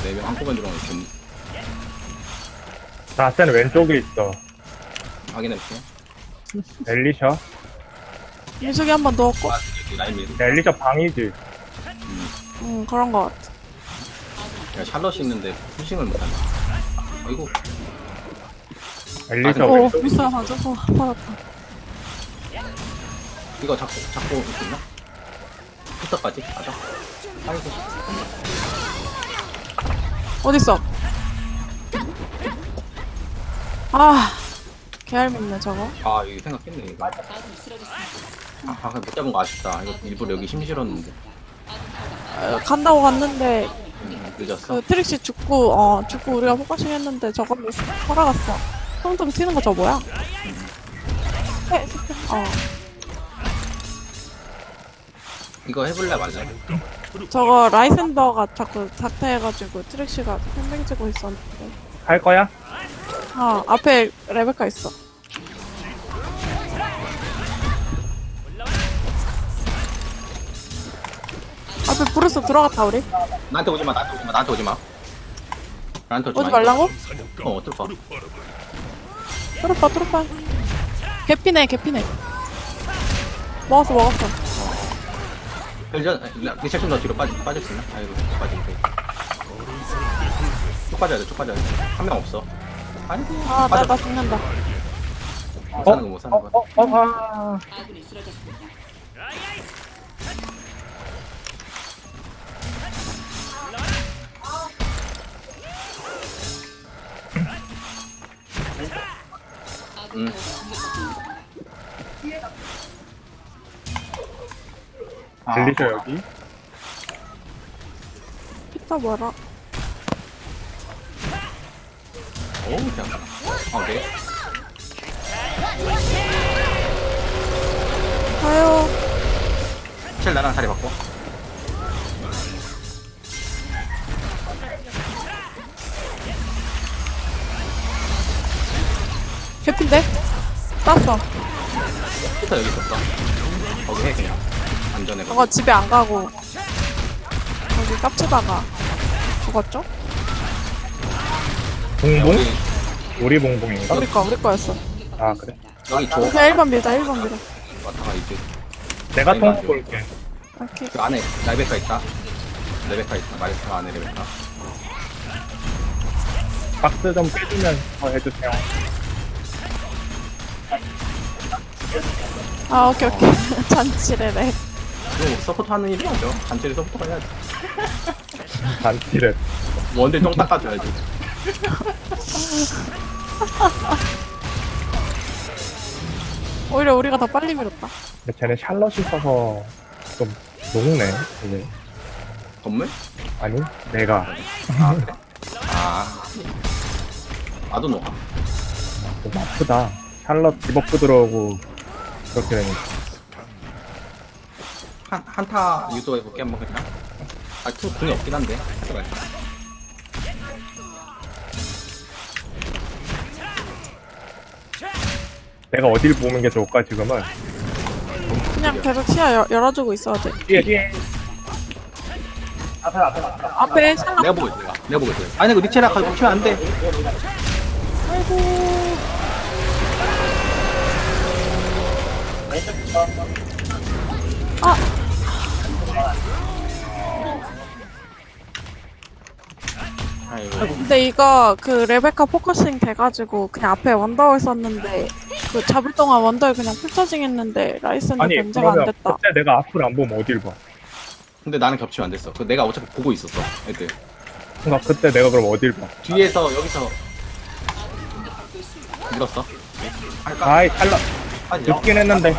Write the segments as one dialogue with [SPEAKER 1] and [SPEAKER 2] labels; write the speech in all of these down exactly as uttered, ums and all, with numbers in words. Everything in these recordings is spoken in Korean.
[SPEAKER 1] 네 명 한꺼번에 들어오면 좀
[SPEAKER 2] 나센 왼쪽에 있어.
[SPEAKER 1] 확인해볼게.
[SPEAKER 2] 엘리셔?
[SPEAKER 3] 민숙이 한 번 넣었고.
[SPEAKER 1] 아, 여기 라인 밀.
[SPEAKER 2] 엘리셔 방이지.
[SPEAKER 1] 음.
[SPEAKER 3] 응, 그런 거 같아.
[SPEAKER 1] 야, 샬럿이 있는데 푸싱을 못하네. 아이고.
[SPEAKER 2] 엘리셔
[SPEAKER 1] 아,
[SPEAKER 3] 오,
[SPEAKER 2] 왼쪽.
[SPEAKER 3] 미스가 맞아서 받았다.
[SPEAKER 1] 이거 잡고, 잡고 있나? 부터까지 가자. 아이고.
[SPEAKER 3] 어딨어? 아, 개알밉네, 저거.
[SPEAKER 1] 아, 이거 생각했네, 이거. 아, 아, 못 잡은 거 아쉽다. 이거 일부러 여기 힘 실었는데.
[SPEAKER 3] 어, 간다고 갔는데,
[SPEAKER 1] 음, 늦었어.
[SPEAKER 3] 그 트릭시 죽고, 어, 죽고 우리가 포커싱 했는데 저걸로 살아갔어. 텅텅 튀는 거 저 뭐야? 해, 어.
[SPEAKER 1] 이거 해볼래 말래?
[SPEAKER 3] 저거 라이센더가 자꾸 닥터해가지고 트릭시가 팽팽치고 있었는데.
[SPEAKER 2] 할 거야?
[SPEAKER 3] 아, 앞에 레베카 있어. 앞에 브루스 들어갔다, 우리?
[SPEAKER 1] 나한테 오지 마, 나한테 오지 마, 나한테 오지 마. 나한테 오지 마.
[SPEAKER 3] 오지 말라고?
[SPEAKER 1] 이거. 어, 어떨까?
[SPEAKER 3] 뚫어봐, 뚫어봐. 개피네, 개피네. 먹었어, 먹었어.
[SPEAKER 1] 일전, 리셋 좀더 뒤로 빠지, 빠질 수 있나? 아이고, 빠지면 돼. 쭉 빠져야 돼, 쭉 빠져야 돼. 한 명 없어. 아이고,
[SPEAKER 3] 아, 나,
[SPEAKER 1] 빠져.
[SPEAKER 3] 나 죽는다.
[SPEAKER 1] 못 사는 거, 못 사는
[SPEAKER 2] 어,
[SPEAKER 1] 거.
[SPEAKER 2] 어, 어, 아.
[SPEAKER 1] 응. 아,
[SPEAKER 2] 엘리셔 여기.
[SPEAKER 3] 피타 뭐라?
[SPEAKER 1] 오, 그냥. 어, 네.
[SPEAKER 3] 가요.
[SPEAKER 1] 첼 나랑 자리 바꿔.
[SPEAKER 3] 개피인데? 땄어.
[SPEAKER 1] 피터 여기 있었어. 거기 해, 그냥. 안전해.
[SPEAKER 3] 저거 집에 안 가고 여기 깝치다가 죽었죠?
[SPEAKER 2] 봉봉?
[SPEAKER 1] 여기,
[SPEAKER 2] 우리 봉봉인가?
[SPEAKER 3] 우리 거, 우리 거였어.
[SPEAKER 2] 아 그래.
[SPEAKER 1] 여기 줘.
[SPEAKER 3] 그냥 일 번 밀자, 일 번 밀어.
[SPEAKER 1] 왔다가 이제.
[SPEAKER 2] 내가
[SPEAKER 1] 아니,
[SPEAKER 2] 통
[SPEAKER 1] 맞아.
[SPEAKER 2] 볼게.
[SPEAKER 3] 오케이.
[SPEAKER 1] 그 안에 레베카 있다. 레베카 있다. 마리카 안에 레베카.
[SPEAKER 2] 박스 좀 빼주면서 해주세요.
[SPEAKER 3] 아, 오케이, 오케이. 잔치래래.
[SPEAKER 1] 이거 서포트 하는 일이죠. 단체를 서포트 해야지.
[SPEAKER 2] 단티를.
[SPEAKER 1] 원딜 똥 닦아줘야지.
[SPEAKER 3] 오히려 우리가 더 빨리 밀었다.
[SPEAKER 2] 근데 쟤네 샬럿이 있어서 좀 녹네. 이게.
[SPEAKER 1] 건물?
[SPEAKER 2] 아니 내가
[SPEAKER 1] 아, 그래? 아. 나도 녹아.
[SPEAKER 2] 좀 아프다. 샬럿 디버프 들어오고 그렇게 되니까.
[SPEAKER 1] 한, 한타 유도해볼게, 한번 그냥. 아, 투, 궁이 없긴 한데. 해봐야지.
[SPEAKER 2] 내가 어딜 보는 게 좋을까 지금은?
[SPEAKER 3] 그냥 계속 시야 열, 열어주고 있어야 돼.
[SPEAKER 2] 뒤에 뒤에.
[SPEAKER 3] 앞에 샬럿.
[SPEAKER 1] 내가 보고 있어, 내가. 내가 보고 있어. 아니, 이거 리체라 가지고 치면 안 돼.
[SPEAKER 3] 아이고. 아,
[SPEAKER 1] 아이고.
[SPEAKER 3] 근데 이거 그 레베카 포커싱 돼가지고 그냥 앞에 원더월 썼는데 그 잡을 동안 원더월 그냥 풀처징 했는데 라이센더
[SPEAKER 2] 아니
[SPEAKER 3] 견제가 안
[SPEAKER 2] 그러면
[SPEAKER 3] 됐다.
[SPEAKER 2] 그때 내가 앞을 안 보면 어딜 봐?
[SPEAKER 1] 근데 나는 겹치면 안 됐어. 그 내가 어차피 보고 있었어, 애들.
[SPEAKER 2] 그러니까 그때 내가 그럼 어딜 봐?
[SPEAKER 1] 뒤에서, 여기서. 밀었어. 할까?
[SPEAKER 2] 아이 샬럿
[SPEAKER 1] 빠지죠?
[SPEAKER 2] 늦긴 했는데.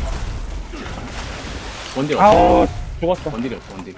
[SPEAKER 1] 원딜 없어.
[SPEAKER 2] 아우 죽었어.
[SPEAKER 1] 원딜이 없어, 원딜.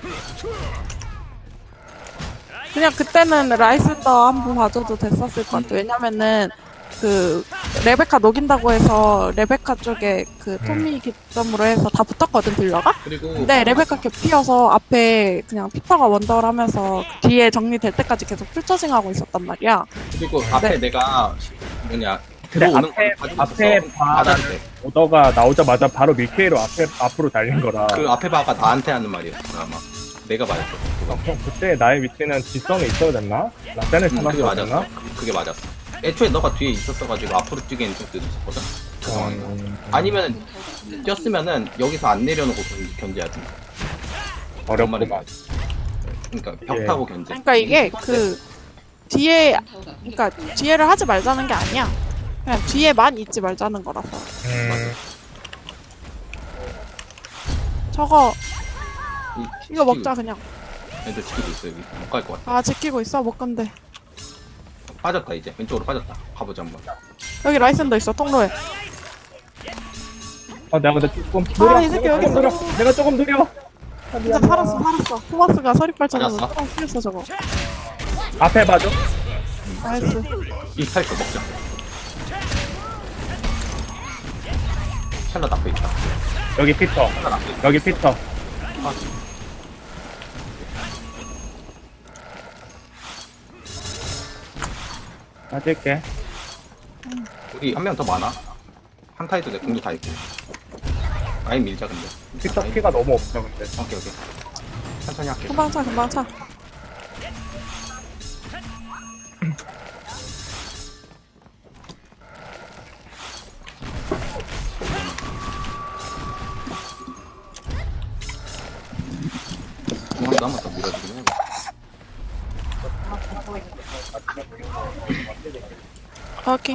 [SPEAKER 3] 그냥 그때는 라이센더 한번 봐줘도 됐었을 것 같아. 왜냐면은 그 레베카 녹인다고 해서 레베카 쪽에 그 토미 기점으로 해서 다 붙었거든 딜러가.
[SPEAKER 1] 그리고.
[SPEAKER 3] 근데 레베카 개피어서 앞에 그냥 피터가 원더를 하면서 뒤에 정리될 때까지 계속 풀처징 하고 있었단 말이야.
[SPEAKER 1] 그리고 앞에
[SPEAKER 3] 네.
[SPEAKER 1] 내가, 뭐냐.
[SPEAKER 2] 근데
[SPEAKER 1] 들어오는
[SPEAKER 2] 앞에
[SPEAKER 1] 걸 봐주고
[SPEAKER 2] 앞에
[SPEAKER 1] 있었어.
[SPEAKER 2] 바
[SPEAKER 1] 바다한테.
[SPEAKER 2] 오더가 나오자마자 바로 밀케이로 앞에 앞으로 달린 거라.
[SPEAKER 1] 그 앞에 바가 나한테 하는 말이었어, 아마. 내가 맞았어. 그거.
[SPEAKER 2] 어, 형 그때 나의 위치는 뒷선에 있어야 됐나? 라센을
[SPEAKER 1] 응, 그게
[SPEAKER 2] 찾았어야
[SPEAKER 1] 맞았어.
[SPEAKER 2] 됐나?
[SPEAKER 1] 그게 맞았어. 애초에 너가 뒤에 있었어가지고 앞으로 뛰기엔 좀 늦었거든. 그 상황이가.
[SPEAKER 2] 음,
[SPEAKER 1] 아니면 뛰었으면은 여기서 안 내려놓고 견- 견제해야 돼.
[SPEAKER 2] 어렵구만.
[SPEAKER 1] 그러니까 벽
[SPEAKER 2] 예.
[SPEAKER 1] 타고 견제.
[SPEAKER 3] 그러니까 이게 그 뒤에 그러니까 뒤에를 하지 말자는 게 아니야. 그냥 뒤에만 있지 말자는 거라서.
[SPEAKER 2] 음,
[SPEAKER 3] 저거
[SPEAKER 1] 이-
[SPEAKER 3] 이거
[SPEAKER 1] 지키고
[SPEAKER 3] 먹자 그냥.
[SPEAKER 1] 있어. 애들 지키고 있어 여기. 못 갈 것 같아.
[SPEAKER 3] 아 지키고 있어 못 건데.
[SPEAKER 1] 빠졌다 이제. 왼쪽으로 빠졌다. 가보자 한번.
[SPEAKER 3] 여기 라이센더 있어 통로에.
[SPEAKER 2] 아 내가 근데 조금 느려.
[SPEAKER 3] 아, 이 새끼
[SPEAKER 2] 내가
[SPEAKER 3] 여기
[SPEAKER 2] 조금 느려.
[SPEAKER 3] 있어.
[SPEAKER 2] 내가 조금 느려. 아,
[SPEAKER 3] 진짜
[SPEAKER 2] 미안해.
[SPEAKER 3] 살았어 살았어. 토마스가 서리발전으로
[SPEAKER 1] 맞았어?
[SPEAKER 3] 뚜껑 뚫렸어 저거.
[SPEAKER 2] 앞에 봐줘.
[SPEAKER 3] 나이스.
[SPEAKER 1] 이 탈거 먹자. 샬럿 앞에 있다.
[SPEAKER 2] 여기 피터.
[SPEAKER 1] 샬럿 앞에 있다.
[SPEAKER 2] 여기 피터.
[SPEAKER 1] 아,
[SPEAKER 2] 맞을게.
[SPEAKER 1] 우리 한 명 더 많아. 한타에도 내 공도 다 있고. 라인 밀자 근데.
[SPEAKER 2] 피터
[SPEAKER 1] 라인-
[SPEAKER 2] 피가 너무 없어 근데.
[SPEAKER 1] 오케이 오케이. 천천히 할게.
[SPEAKER 3] 금방 차 금방 차.
[SPEAKER 1] 중앙도 한 번 더 밀어주긴 해.
[SPEAKER 3] 오케이.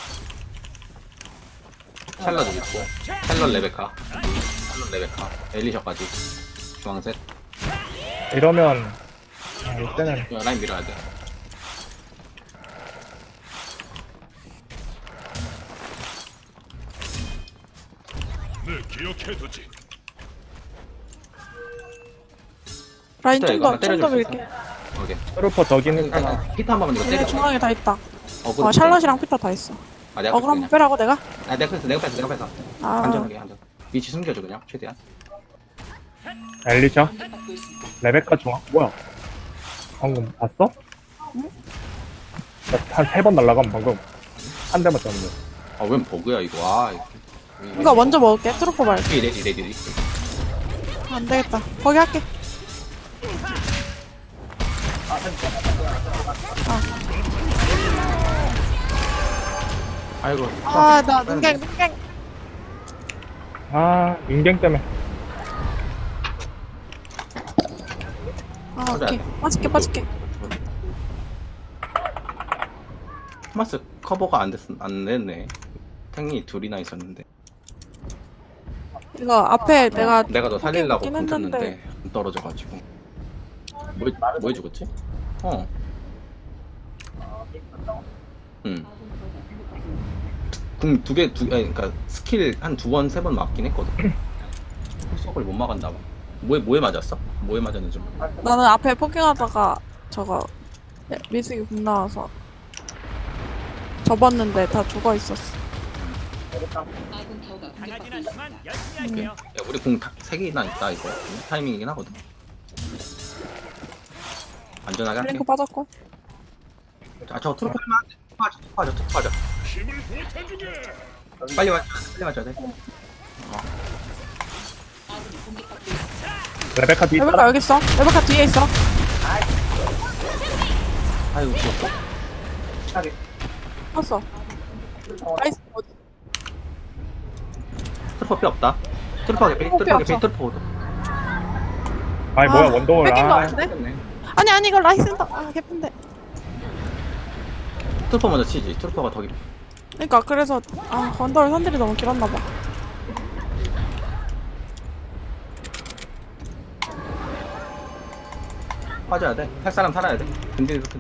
[SPEAKER 1] 샬럿 있고. 샬럿 레베카. 샬럿 레베카. 엘리셔까지. 중앙셋.
[SPEAKER 2] 이러면 아, 이때는
[SPEAKER 1] 야, 라인 밀어야 돼.
[SPEAKER 4] 늘 기억해두지.
[SPEAKER 3] 라인
[SPEAKER 1] 피터
[SPEAKER 3] 좀
[SPEAKER 1] 이거
[SPEAKER 3] 더
[SPEAKER 1] 한번
[SPEAKER 3] 좀 더
[SPEAKER 1] 때려줄 수
[SPEAKER 3] 밀게.
[SPEAKER 1] 있어? 오케이.
[SPEAKER 2] 트루퍼 저기는
[SPEAKER 1] 아니,
[SPEAKER 2] 있잖아.
[SPEAKER 1] 아니, 피터 한 번만 이거
[SPEAKER 3] 얘네
[SPEAKER 1] 때려.
[SPEAKER 3] 중앙에 다 있다.
[SPEAKER 1] 어,
[SPEAKER 3] 어 샬럿이랑 피터 다 있어.
[SPEAKER 1] 아, 내가
[SPEAKER 3] 어 그럼
[SPEAKER 1] 그냥.
[SPEAKER 3] 빼라고 내가?
[SPEAKER 1] 아, 내가 뺐어, 내가 뺐어, 내가 뺐어.
[SPEAKER 3] 아
[SPEAKER 1] 안전하게, 안전. 위치 숨겨줘 그냥 최대한.
[SPEAKER 2] 엘리셔. 레베카 중앙. 뭐야? 방금 봤어? 한 세 번 날라가면 방금 한 대만 쳤는데.
[SPEAKER 1] 아, 웬 버그야 이거. 아, 이거.
[SPEAKER 3] 이거 먼저 먹을게. 트루퍼 말고.
[SPEAKER 1] 레디, 레디, 레디, 레디.
[SPEAKER 3] 안 되겠다. 거기 할게.
[SPEAKER 1] 아이고.
[SPEAKER 3] 아 나 눈갱 눈갱.
[SPEAKER 2] 아 인갱 때문에.
[SPEAKER 3] 아 오케이. 빠질게 빠질게.
[SPEAKER 1] 토마스 커버가 안 됐, 안 됐네. 탱이 둘이나 있었는데.
[SPEAKER 3] 이거 앞에 내가
[SPEAKER 1] 내가 너 살리려고
[SPEAKER 3] 포기하긴
[SPEAKER 1] pun쳤는데
[SPEAKER 3] 했는데.
[SPEAKER 1] 안 떨어져가지고. 뭐, 뭐 해주겠지? 어. 응. 궁 두 개, 두, 아니, 그니까 스킬 한 두 번, 세 번 맞긴 했거든. 속을 못 막았나 봐. 뭐에, 뭐에 맞았어? 뭐에 맞았는지 모르겠어.
[SPEAKER 3] 나는 앞에 포킹하다가 저거 미스기 국 나와서 접었는데 다 죽어 있었어.
[SPEAKER 1] 야, 우리 궁 세 개나 있다, 이거. 타이밍이긴 하거든. 안전하게 할게.
[SPEAKER 3] 링크 빠졌고.
[SPEAKER 1] 아, 저 트로프 하면 안 돼. 빠져, 빠져, 빠져.
[SPEAKER 4] 힘을 보태주게.
[SPEAKER 1] 빨리 맞춰야 돼, 빨리 맞춰야 돼.
[SPEAKER 2] 레베카 뒤
[SPEAKER 3] 레베카
[SPEAKER 2] 있잖아.
[SPEAKER 3] 여기 있어. 레베카 뒤에 있어.
[SPEAKER 1] 아이고, 죽었어.
[SPEAKER 3] 봤어. 나이스. 어디?
[SPEAKER 1] 트로퍼 필요 없다. 트로퍼 개피,
[SPEAKER 3] 트로퍼
[SPEAKER 1] 트로퍼 개피,
[SPEAKER 3] 없어.
[SPEAKER 1] 트로퍼.
[SPEAKER 2] 아니 뭐야
[SPEAKER 3] 아,
[SPEAKER 2] 원더월.
[SPEAKER 3] 뺏긴 거
[SPEAKER 2] 아,
[SPEAKER 3] 같은데?
[SPEAKER 1] 네.
[SPEAKER 3] 아니 아니 이거 라이센더. 아 개쁜데.
[SPEAKER 1] 트로퍼 먼저 치지. 트로퍼가 더 깊어.
[SPEAKER 3] 그러니까 그래서 아 건더를 선들이 너무 길었나 봐.
[SPEAKER 1] 빠져야 돼. 할 사람 살아야 돼. 근데 이렇게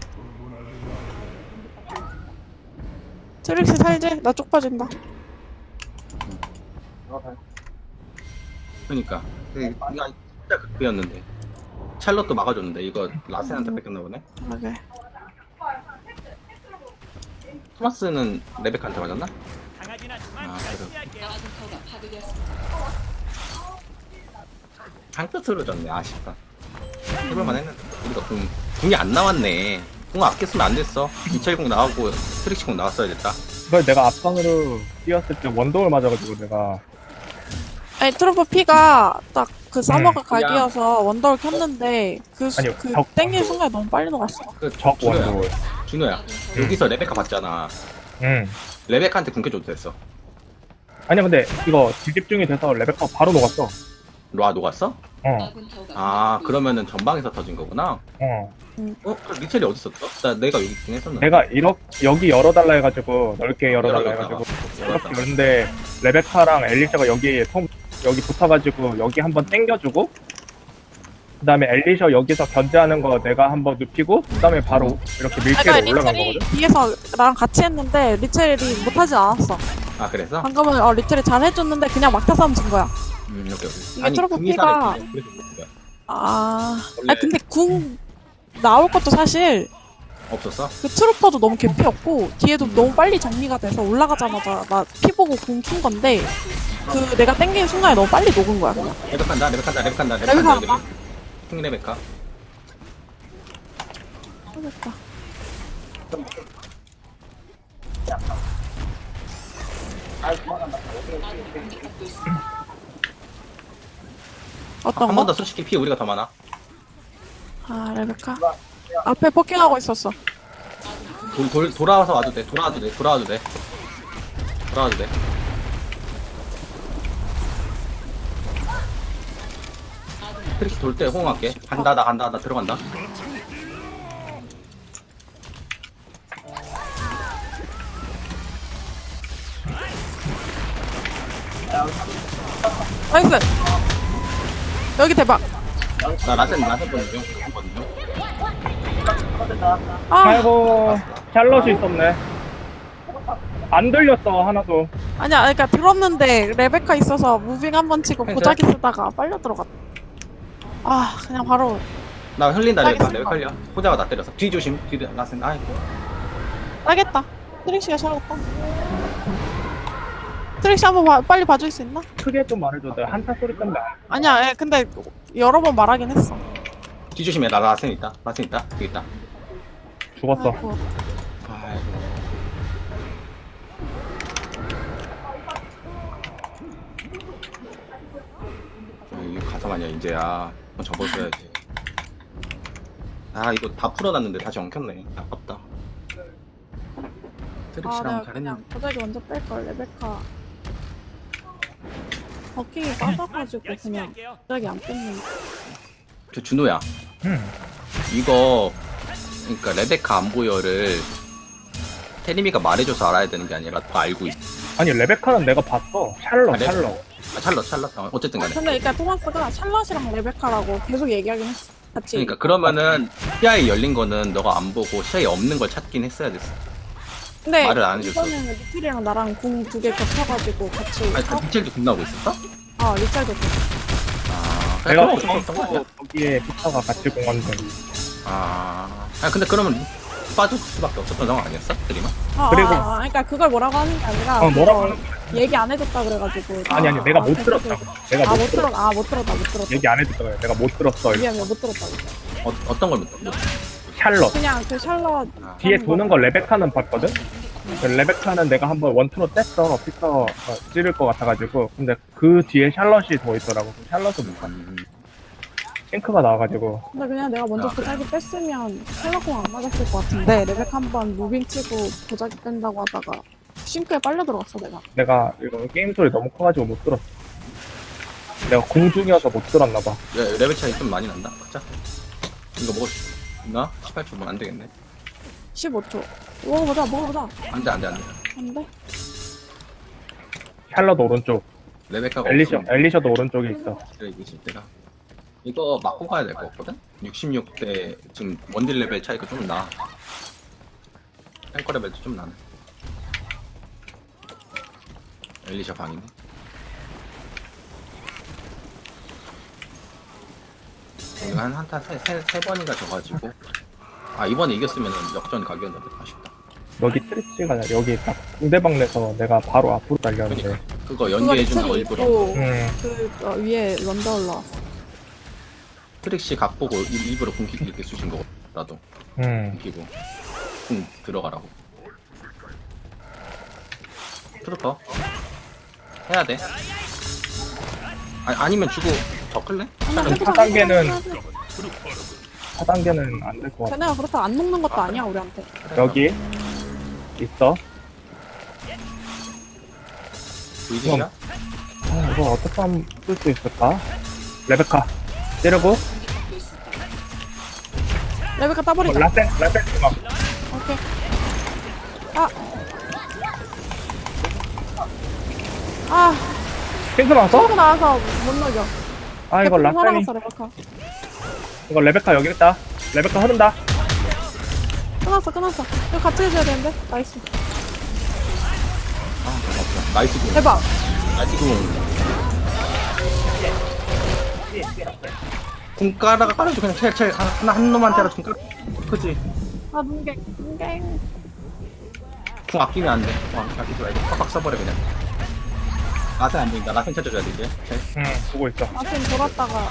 [SPEAKER 3] 트릭스 살지? 나 쪽 빠진다.
[SPEAKER 1] 그러니까 이거 진짜 극비였는데 찰럿도 막아줬는데 이거 라센한테 뺏겼나 보네.
[SPEAKER 3] 그러게.
[SPEAKER 1] 토마스는 레베카한테 맞았나? 아 그래. 한 끝으로 졌네. 아쉽다. 해볼만 했는데 우리가 궁, 궁이 안 나왔네. 궁 아꼈으면 안 됐어. 이철궁 나가고 트릭시궁 나왔어야 됐다.
[SPEAKER 2] 그걸 내가 앞선으로 뛰었을 때 원더월 맞아가지고 내가
[SPEAKER 3] 아니 트루퍼 피가 딱 그 서머가
[SPEAKER 2] 음,
[SPEAKER 1] 그냥-
[SPEAKER 3] 각이어서 원더를 켰는데 그, 수-
[SPEAKER 2] 아니요,
[SPEAKER 3] 그
[SPEAKER 2] 적-
[SPEAKER 3] 땡기는 순간에 너무 빨리 녹았어.
[SPEAKER 1] 그
[SPEAKER 2] 적
[SPEAKER 1] 준호야,
[SPEAKER 2] 원도.
[SPEAKER 1] 준호야. 여기서 레베카 봤잖아.
[SPEAKER 2] 응.
[SPEAKER 1] 레베카한테 궁켜줘도 됐어.
[SPEAKER 2] 아니야 근데 이거 뒤집중이 돼서 레베카 바로 녹았어.
[SPEAKER 1] 로아 녹았어?
[SPEAKER 2] 어.
[SPEAKER 1] 아 그러면은 전방에서 터진 거구나.
[SPEAKER 2] 어.
[SPEAKER 1] 어? 그럼 리첼이 어디 있었어? 나 내가 여기 있긴 했었는데.
[SPEAKER 2] 내가 이렇게 여기 열어달라 해가지고 넓게 열어달라
[SPEAKER 1] 열어줬다.
[SPEAKER 2] 해가지고
[SPEAKER 1] 열었다.
[SPEAKER 2] 이렇게 열는데 레베카랑 엘리샤가 여기 통 여기 붙어가지고 여기 한번 당겨주고 그다음에 엘리샤 여기서 견제하는 거 내가 한번 눕히고 그다음에 바로 이렇게 밀체로
[SPEAKER 3] 그러니까
[SPEAKER 2] 올라간
[SPEAKER 3] 리첼이
[SPEAKER 2] 거거든.
[SPEAKER 3] 뒤에서 나랑 같이 했는데 리첼이 못하진 않았어.
[SPEAKER 1] 아 그래서?
[SPEAKER 3] 방금은 어, 리첼이 잘 해줬는데 그냥 막타 싸움 진 거야.
[SPEAKER 1] 음 오케이 오케이.
[SPEAKER 3] 이게 트로피
[SPEAKER 1] 궁이
[SPEAKER 3] 피가-
[SPEAKER 1] 살아있지. 그래서 그런 거야.
[SPEAKER 3] 아,
[SPEAKER 1] 원래
[SPEAKER 3] 아 근데 궁 나올 것도 사실
[SPEAKER 1] 없었어?
[SPEAKER 3] 그 트루퍼도 너무 개피였고 뒤에도 너무 빨리 정리가 돼서 올라가자마자 나 피 보고 궁 킨 건데 그 내가 땡기는 순간에 너무 빨리 녹은 거야 그냥.
[SPEAKER 1] 레베카한다 레베카한다 레베카한다
[SPEAKER 3] 레베카
[SPEAKER 1] 레베카한다
[SPEAKER 3] 할까?
[SPEAKER 1] 킹 레베카.
[SPEAKER 3] 하겠다. 어떤
[SPEAKER 1] 한 번
[SPEAKER 3] 거?
[SPEAKER 1] 더 솔직히 피 우리가 더 많아.
[SPEAKER 3] 아 레베카 앞에 포킹하고 있었어.
[SPEAKER 1] 돌, 돌, 돌아와서 와도 돼. 돌아와도 돼. 돌아와도 돼. 돌아와도 돼. 트릭시 돌 때 호응할게. 간다, 나 간다, 나 들어간다.
[SPEAKER 3] 나이스. 여기 대박.
[SPEAKER 1] 나 라센, 라센 보는 중. 라센 보는 중.
[SPEAKER 3] 아
[SPEAKER 2] 아이고 샬럿이 있었네. 안 들렸어 하나도.
[SPEAKER 3] 아니야 그러니까 들었는데 레베카 있어서 무빙 한 번 치고
[SPEAKER 1] 괜찮아?
[SPEAKER 3] 보자기 쓰다가 빨려 들어갔다. 아 그냥 바로
[SPEAKER 1] 나 흘린다, 레베카.
[SPEAKER 3] 알겠어.
[SPEAKER 1] 레베카 흘려. 호자가 나 때렸어. 뒤 조심. 뒤 라센. 아이고.
[SPEAKER 3] 따겠다. 트릭시가 잘했다. 트릭시 한번 봐- 빨리 봐줄 수 있나?
[SPEAKER 2] 크게 좀 말해줘. 내가 한타 소리 때문에 안-
[SPEAKER 3] 아니야 예, 근데 여러 번 말하긴 했어.
[SPEAKER 1] 뒤 조심해. 나 라센 있다. 라센 있다. 여기 있다.
[SPEAKER 2] 죽었어.
[SPEAKER 3] 아이고.
[SPEAKER 1] 아이고. 이거 가서 아니야 이제야. 접어줘야지. 아 이거 다 풀어놨는데 다시 엉켰네. 아깝다.
[SPEAKER 3] 아
[SPEAKER 1] 트릭시랑
[SPEAKER 3] 내가
[SPEAKER 1] 잘했는데.
[SPEAKER 3] 그냥 보자기 먼저 뺄걸 레베카 버킹이 빠져가지고 그냥 보자기 안 뺐는데.
[SPEAKER 1] 저 준호야.
[SPEAKER 2] 응.
[SPEAKER 1] 이거 그러니까 레베카 안 보여를 테리미가 말해줘서 알아야 되는 게 아니라 다 알고 있어.
[SPEAKER 2] 아니 레베카는 내가 봤어. 샬럿
[SPEAKER 1] 아, 레-
[SPEAKER 2] 샬럿.
[SPEAKER 1] 아, 찰럿 찰럿. 어, 어쨌든 간에.
[SPEAKER 3] 근데 그러니까 토마스가 샬럿이랑 레베카라고 계속 얘기하긴 했어. 같이.
[SPEAKER 1] 그러니까 그러면은 시야에 열린 거는 너가 안 보고 시야에 없는 걸 찾긴 했어야 됐어.
[SPEAKER 3] 근데
[SPEAKER 1] 말을 안 해줬어.
[SPEAKER 3] 이번에는 리틀이랑 나랑 궁 두 개 겹쳐가지고 같이.
[SPEAKER 1] 아니 그
[SPEAKER 3] 하고-
[SPEAKER 1] 미첼도 군나오고 있었어?
[SPEAKER 3] 아 리짤도 그.
[SPEAKER 1] 아.
[SPEAKER 2] 내가
[SPEAKER 1] 그래, 그럼 없었던 거야.
[SPEAKER 2] 보고 거기에 피터가 같이 공원된.
[SPEAKER 1] 아. 아 근데 그러면 빠질 수밖에 없었던 상황 아니었어? 드리마?
[SPEAKER 3] 아,
[SPEAKER 2] 그리고-
[SPEAKER 3] 아, 아, 그러니까 그걸 뭐라고 하는 게 아니라.
[SPEAKER 2] 어 뭐라고
[SPEAKER 3] 그걸
[SPEAKER 2] 하는 거야?
[SPEAKER 3] 얘기 안 해줬다 그래가지고.
[SPEAKER 2] 아니 아니 내가
[SPEAKER 3] 아,
[SPEAKER 2] 못
[SPEAKER 3] 계속-
[SPEAKER 2] 들었다고. 내가
[SPEAKER 3] 아
[SPEAKER 2] 못
[SPEAKER 3] 못
[SPEAKER 2] 들었.
[SPEAKER 3] 들었. 아못 들었다 못 들었다.
[SPEAKER 2] 얘기 안 해줬다고. 해. 내가 못 들었어.
[SPEAKER 3] 미안 미안 못 들었다고.
[SPEAKER 1] 어, 어떤 걸 못, 못
[SPEAKER 2] 샬럿.
[SPEAKER 3] 그냥 그 샬럿.
[SPEAKER 1] 아.
[SPEAKER 2] 뒤에 도는 거 레베카는 봤거든? 그 레베카는 내가 한번 원투로 뗐어. 피터 어, 찌를 것 같아가지고. 근데 그 뒤에 샬럿이 더 있더라고. 그 샬럿을 못 봤어.
[SPEAKER 1] 음,
[SPEAKER 2] 싱크가 나와가지고.
[SPEAKER 3] 근데 그냥 내가 먼저
[SPEAKER 1] 아,
[SPEAKER 3] 보자기 뺐으면 샬럿공 안 맞았을 것 같은데 레베카 한번 무빙 치고 보자기 뺀다고 하다가 싱크에 빨려 들어갔어 내가.
[SPEAKER 2] 내가 이거 게임 소리 너무 커가지고 못 들었어. 내가 공중이어서 못 들었나봐.
[SPEAKER 1] 레, 레벨 차이 좀 많이 난다. 그자 이거 먹을 수 있나? 십팔 초면 안 되겠네.
[SPEAKER 3] 십오 초. 먹어보자 먹어보자.
[SPEAKER 1] 안돼 안돼 안돼.
[SPEAKER 3] 안돼.
[SPEAKER 2] 샬럿 오른쪽.
[SPEAKER 1] 레베카가
[SPEAKER 2] 엘리셔,
[SPEAKER 1] 없으면
[SPEAKER 2] 엘리셔도 오른쪽에 있어.
[SPEAKER 1] 그래 이길 때가 이거 맞고 가야 될 것 같거든? 육십육 대 지금 원딜 레벨 차이가 좀 나. 탱커 레벨도 좀 나네. 엘리샤 방이네. 오늘 한 한타 세, 세, 세 번인가 져가지고 아 이번에 이겼으면 역전 각이었는데 아쉽다.
[SPEAKER 2] 여기 트리치가 아니라 여기 딱 상대방 내서 내가 바로 앞으로 달렸는데.
[SPEAKER 1] 그러니까 그거
[SPEAKER 3] 그거
[SPEAKER 1] 연계해주는 거
[SPEAKER 3] 리틀이
[SPEAKER 1] 일부러
[SPEAKER 3] 있고
[SPEAKER 2] 음,
[SPEAKER 3] 그 어, 위에 런더 올라왔어.
[SPEAKER 1] 트릭시 각 보고 일- 일부러 궁기 이렇게 쑤신 거라도
[SPEAKER 2] 음.
[SPEAKER 1] 궁기고 궁 들어가라고. 트루퍼 해야 돼. 아니, 아니면 주고 더 끌래?
[SPEAKER 2] 사 단계는 사 단계는 안 될 것 같아.
[SPEAKER 3] 쟤네가 그렇다고 안 녹는 것도 아니야 우리한테.
[SPEAKER 2] 여기 있어.
[SPEAKER 1] 보이지냐?
[SPEAKER 2] 아, 이거 어떻게 하면 쓸 수 있을까? 레베카 찌르고
[SPEAKER 3] 레베카
[SPEAKER 2] 어,
[SPEAKER 3] 따버리자.
[SPEAKER 2] 라센 라센 주먹.
[SPEAKER 3] 오케이. 아. 아,
[SPEAKER 2] 핑크 나왔어?
[SPEAKER 3] 쏘고 나와서 못 녹여.
[SPEAKER 2] 아 이거 라센이
[SPEAKER 3] 살아갔어, 레베카.
[SPEAKER 2] 이거 레베카 여기 있다. 레베카 흐른다.
[SPEAKER 3] 끊었어, 끊었어. 이거 같이 해줘야 되는데? 나이스.
[SPEAKER 1] 아, 없어. 나이스 공.
[SPEAKER 3] 대박.
[SPEAKER 1] 나이스 공. 궁 깔아가 깔아줘. 그냥 첼, 첼. 하나, 한 놈한테라도 궁 깔아. 그치?
[SPEAKER 3] 아, 눈갱, 눈갱.
[SPEAKER 1] 궁 아끼면 안 돼. 궁 아끼지 말고. 팍팍 써버려, 그냥. 라센 안 보인다. 라센 찾아줘야 돼, 이제. 첼.
[SPEAKER 2] 응 보고 있어.
[SPEAKER 3] 아침 돌았다가.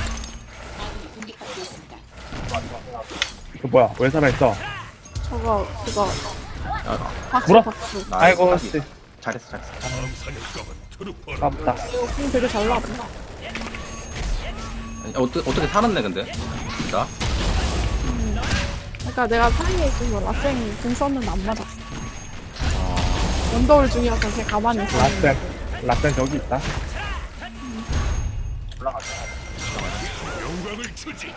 [SPEAKER 2] 그 뭐야 왜 살아있어?
[SPEAKER 3] 저거, 그거.
[SPEAKER 1] 야,
[SPEAKER 3] 박수,
[SPEAKER 2] 물어.
[SPEAKER 3] 박수.
[SPEAKER 1] 나
[SPEAKER 2] 아이고
[SPEAKER 1] 까비.
[SPEAKER 2] 씨
[SPEAKER 1] 잘했어, 잘했어.
[SPEAKER 4] 다음 사냥감은 트루퍼라.
[SPEAKER 2] 깝다.
[SPEAKER 3] 이거 궁 되게 잘 나왔다.
[SPEAKER 1] 아니, 어떻게, 어떻게 살았네, 근데. 진짜.
[SPEAKER 3] 그러니까 내가 사이에 있으면 라생 궁 썼는데 안 맞았어. 원더울 중이어서 걔 가만히 있었는데.
[SPEAKER 2] 라센 라센 저기 있다.
[SPEAKER 4] 영광을 주지.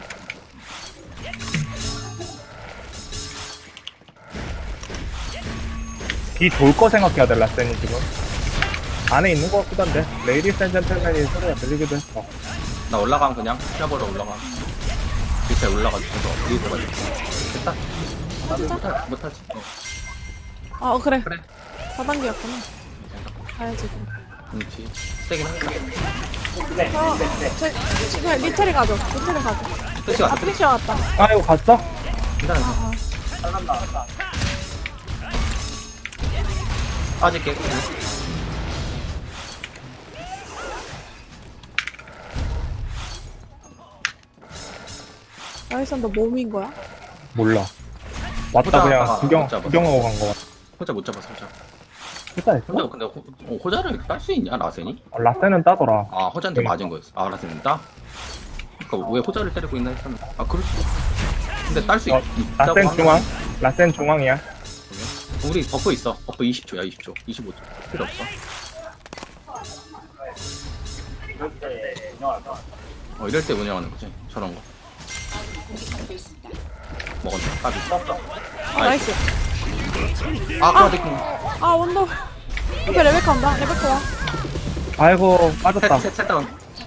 [SPEAKER 2] 뒤 돌 거 생각해야 돼 라센이 지금. 안에 있는 거 같기도 한데 레이디스 앤 젠틀맨이 소리가 들리기도 했어.
[SPEAKER 1] 나 올라감, 그냥. 피아보러 올라가. 밑에 올라가지고. 위에 들어가지고. 됐다. 나도 못하, 못하지. 어.
[SPEAKER 3] 아, 어, 그래.
[SPEAKER 1] 그래.
[SPEAKER 3] 사 단계였구나. 가야지. 그럼.
[SPEAKER 1] 그렇지. 세긴 하겠다.
[SPEAKER 3] 어, 제, 지금 리테리 가죠. 리테리 가죠.
[SPEAKER 1] 끝이
[SPEAKER 3] 아,
[SPEAKER 1] 왔어.
[SPEAKER 3] 피시 왔다.
[SPEAKER 2] 아 이거 갔어?
[SPEAKER 1] 괜찮아.
[SPEAKER 3] 아,
[SPEAKER 1] 빠질게.
[SPEAKER 3] 아. 나이선 너 몸인 거야?
[SPEAKER 2] 몰라. 왔다
[SPEAKER 1] 보자.
[SPEAKER 2] 그냥
[SPEAKER 1] 아,
[SPEAKER 2] 구경
[SPEAKER 1] 못 잡아.
[SPEAKER 2] 구경하고 간 거 같아.
[SPEAKER 1] 호자 못 잡았어, 호자.
[SPEAKER 2] 진짜
[SPEAKER 1] 혼자
[SPEAKER 2] 했어?
[SPEAKER 1] 근데 호, 어, 호자를 딸 수 있냐, 라센이?
[SPEAKER 2] 어, 라센은 따더라.
[SPEAKER 1] 아, 호자한테
[SPEAKER 2] 그러니까.
[SPEAKER 1] 맞은 거였어. 아, 라센은 따? 그니까 왜 호자를 때리고 있나 했잖아. 아, 그럴 수도 있어. 근데 딸 수
[SPEAKER 2] 어,
[SPEAKER 1] 있다고
[SPEAKER 2] 라센
[SPEAKER 1] 하면-
[SPEAKER 2] 중앙. 라센 중앙이야.
[SPEAKER 1] 우리 버프 있어. 버프 이십 초야, 이십 초. 이십오 초. 필요 없어. 어, 이럴 때 운영하는 거지. 저런 거. 먹었네. 까비.
[SPEAKER 3] 아, 나이스.
[SPEAKER 1] 아, 크라데킹.
[SPEAKER 3] 아, 원더. 옆에 레베카 온다. 레베카 와.
[SPEAKER 2] 아이고 빠졌다.
[SPEAKER 1] 셋, 셋, 셋 다운.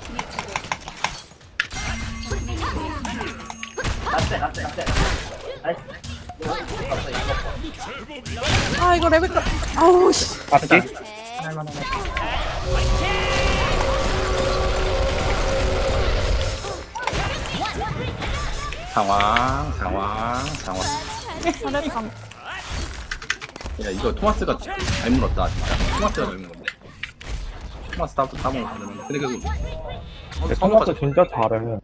[SPEAKER 3] 아, 이거 레베카. 아우, 씨.
[SPEAKER 2] 맞지?
[SPEAKER 1] 상황, 상황, 상황.
[SPEAKER 3] 잘했다.
[SPEAKER 1] 야, 이거 토마스가 잘 물었다, 진짜. 토마스가 잘 물었네. 토마스 따, 따먹는 거. 근데 그,
[SPEAKER 2] 근데 토마토 진짜 잘해.